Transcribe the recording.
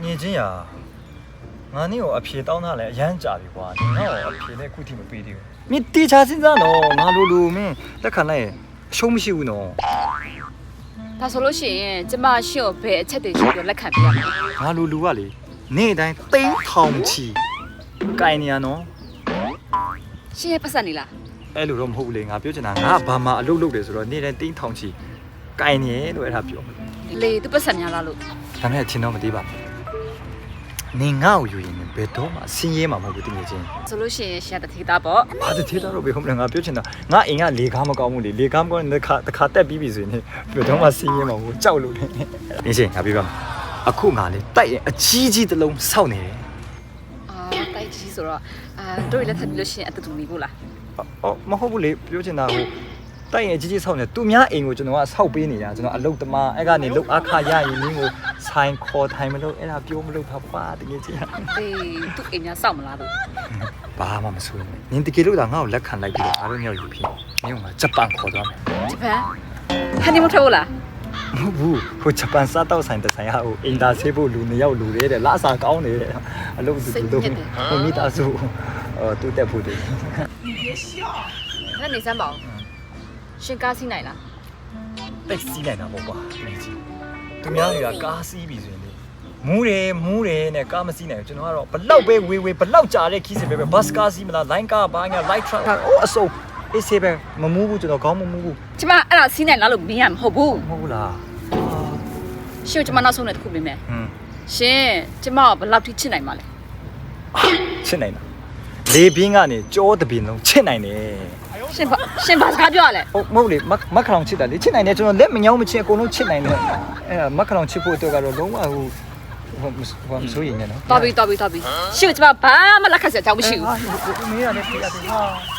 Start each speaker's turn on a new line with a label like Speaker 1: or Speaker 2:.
Speaker 1: 你这呀，俺你有皮到那来人家的话，你那皮来固定没背的。你地下现在喏，俺路路没，那看来修不修喏？
Speaker 2: 他说了些，这嘛小白吃的就来看病。
Speaker 1: 俺路路啊哩，你得顶堂起，概念喏。
Speaker 2: 现在不是你了。
Speaker 1: အဲ့လိုတော့မဟုတ်ဘူးလေငါပြောချင်တာငါဘာမှအလုပ်လုပ်တယ်ဆိုတော့နေတဲ့တင်းထောင်ချီကိုင်နေလို့အဲ့ဒါပြော
Speaker 2: လေသူပတ်စံများလားလို့
Speaker 1: ဒါနဲ့ချင်းတော့မသိပါဘူးနေငါ့ကိုယူရင်ဘယ်တော့မှဆင်းရဲမှာမဟုတ်ဘူးတကယ်ချင်း
Speaker 2: ဆိုလို့ရှိရင်ရှာတထေးသားပေါ့
Speaker 1: ဘာတသေးတော့ဘယ်ဟုတ်မလဲငါပြောချင်တာငါအိမ်ကလေကားမကောင်းဘူးလေလေကားမကောင်းတဲ့ခါတက်ပြီးပြီဆိုရင်ဘယ်တော့မှဆင်းရဲမှာမဟုတ်ကြောက်လို့လေနေချင်းငါပြောပါအခုငါလေတိုက်ရင်အကြီးကြီးတစ်လုံးစောက်နေတယ်
Speaker 2: အာတိုက်ကြီးဆိုတော့တို့လည်းထပ်ပြီးလို့ရှိရင်အတူတူနေဖို့လား
Speaker 1: အော်မဟုတ်ဘူးလေပြောချင်တာဟိုတိုက်ရင်ကြီးကြီးဆောက်နေသူများအိမ်ကိုကျွန်တော်ကဆောက်ပေးနေတာကျွန်တော်အလုပ်သမားအဲ့ကနေလုတ်အခါရရင်နင်းကိုဆိုင်ခေါ်ထိုင်မလို့အဲ့ဒါပြောမလို့ပါတကယ်ချင်း
Speaker 2: အေးသူ့အိမ်များစောင့်မလားလို့
Speaker 1: ဘာမှမဆိုးဘူးနင်တကယ်လို့ဒါငါ့ကိုလက်ခံလိုက်ပြီးတော့အားလုံးရောက်ယူဖြစ်နင်ကဂျပန်ခေါ်သွားမယ်
Speaker 2: ဂျပန်ဟန်နီမူထိုးလား
Speaker 1: မဟုတ်ဘူးဟိုဂျပန်စားတော့ဆိုင်တဆိုင်ဟာဟိုအင်တာဆေးဖို့လူ2ယောက်လူတယ်တဲ့လာစားကောင်းနေတယ်အလုပ်တူတူဟိုမိသားစုတူတက်ဖို့တယ်
Speaker 2: အဲ့နေစမ်းပါဦးရှင်ကားစီးနိုင်လား
Speaker 1: တိတ်စီးနိုင်တာပေါ့ကွာနေကြည့်သူများတွေကကားစီးပြီဆိုရင်လေမူးတယ်နဲ့ကားမစီးနိုင်ဘူးကျွန်တော်ကတော့ဘလောက်ပဲဝေးဘလောက်ကြာတဲ့ခီးစပဲဘတ်ကားစီးမလားလိုင်းကားဘာညာလိုက်ထရက်အိုးအစုံအေးဆေးပဲမမူးဘူးကျွန်တော်ခေါင်းမမူးဘူး
Speaker 2: ကျမအဲ့ဒါစီးနိုင်လားလို့မင်းရမဟုတ်ဘူး
Speaker 1: မဟုတ်ဘူးလား
Speaker 2: ရှင်ကျမနောက်ဆုံးနဲ့တစ်ခုမင်းမယ်
Speaker 1: ဟွန်း
Speaker 2: ရှင်ကျမကဘယ်လောက်ထိချစ်နိုင်မှာလဲ
Speaker 1: ချစ်နိုင်တာလေပြင်းကနေကြောတပင်လုံးချစ်နိုင်တယ်
Speaker 2: ရှင်ဘာစကားပြောရလဲ
Speaker 1: ဟုတ်မဟုတ်လေမခလောင်ချစ်တာလေချစ်နိုင်တယ်ကျွန်တော်လက်မညောင်းမချစ်အကုန်လုံးချစ်နိုင်တယ်အဲ့ဒါမခလောင်ချစ်ဖို့အတွက်ကတော့လုံးဝဟိုမဆိုးရင်လည်းနော်
Speaker 2: တော်ပြီရှင်ကျမဘာမှလက်ခံစရာအကြောင်းမရှိဘူး
Speaker 1: ဟာမင်းရတယ်ပြရတယ်ဟာ